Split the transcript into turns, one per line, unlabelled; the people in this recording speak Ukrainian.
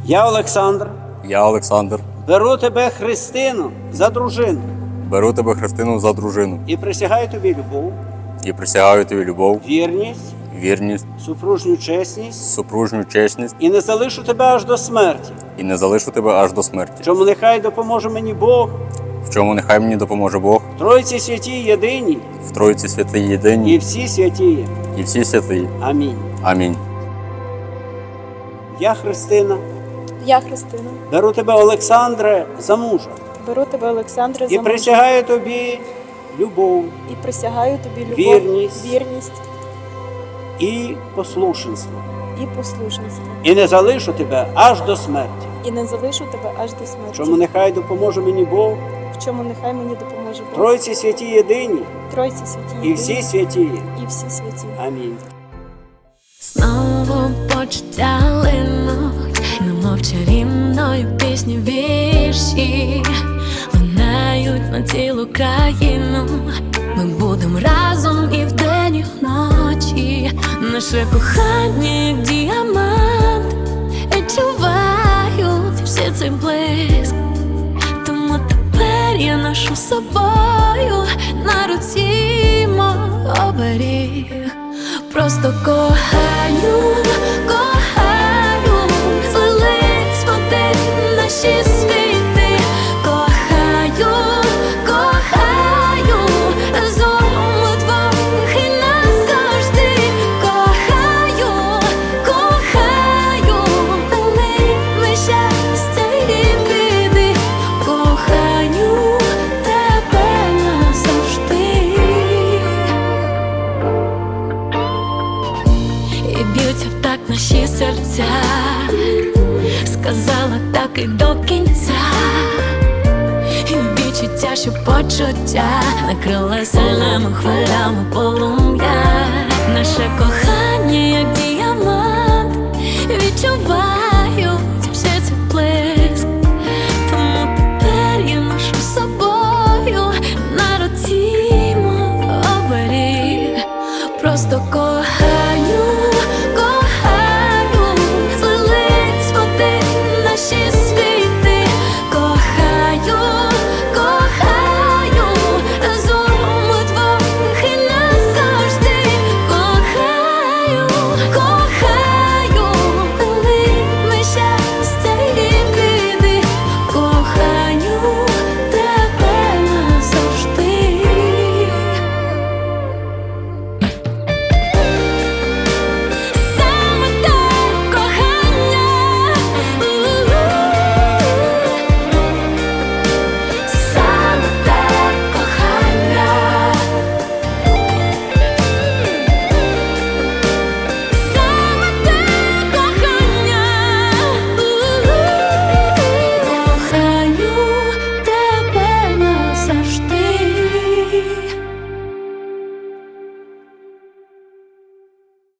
Я, Олександр,
Я, Олександр,
беру тебе, Христину, за дружину
беру тебе, Христину, за дружину
і присягаю тобі любов,
і присягаю тобі любов,
вірність,
вірність,
супружню чесність
супружню чесність
і не залишу тебе аж до смерті.
і не залишу тебе аж до смерті.
Чому нехай допоможе мені Бог,
В чому нехай мені допоможе Бог,
в Тройці святій єдиній
в Тройці святій
і
єдиній
всі святі.
і всі святії.
Амінь.
Амінь.
Я, Христина,
Я, Христина,
беру тебе, Олександре, за мужа
беру тебе, Олександре, за
і
мужа
присягаю тобі любов
і присягаю тобі любов,
вірність і послушенство.
і послушенство.
І не залишу тебе аж до смерті.
І не залишу тебе аж до смерті.
Чому нехай допоможе мені Бог,
В чому нехай мені допоможе Бог.
Тройці святі єдині
Тройці святі
і всі святі.
і всі святі.
Амінь.
Знову почуття линуть, немов чарівною пісні вірші лунають на цілу країну. Ми будемо разом і вдень, і вночі. Наше кохання, як діамант, відчувають всі цей блиск. Тому тепер я ношу з собою на руці мов оберіг. Просто кохаю, кохаю, злились води наші світи. Кохаю, кохаю, разом удвох і назавжди. Кохаю, кохаю, ми щастя і біди. Кохаю тебе назавжди. І б'ються в так наші серця, сказала так і до кінця. І відчуття, що почуття накрила сильними хвилями полум'я. Наше кохання, як діє.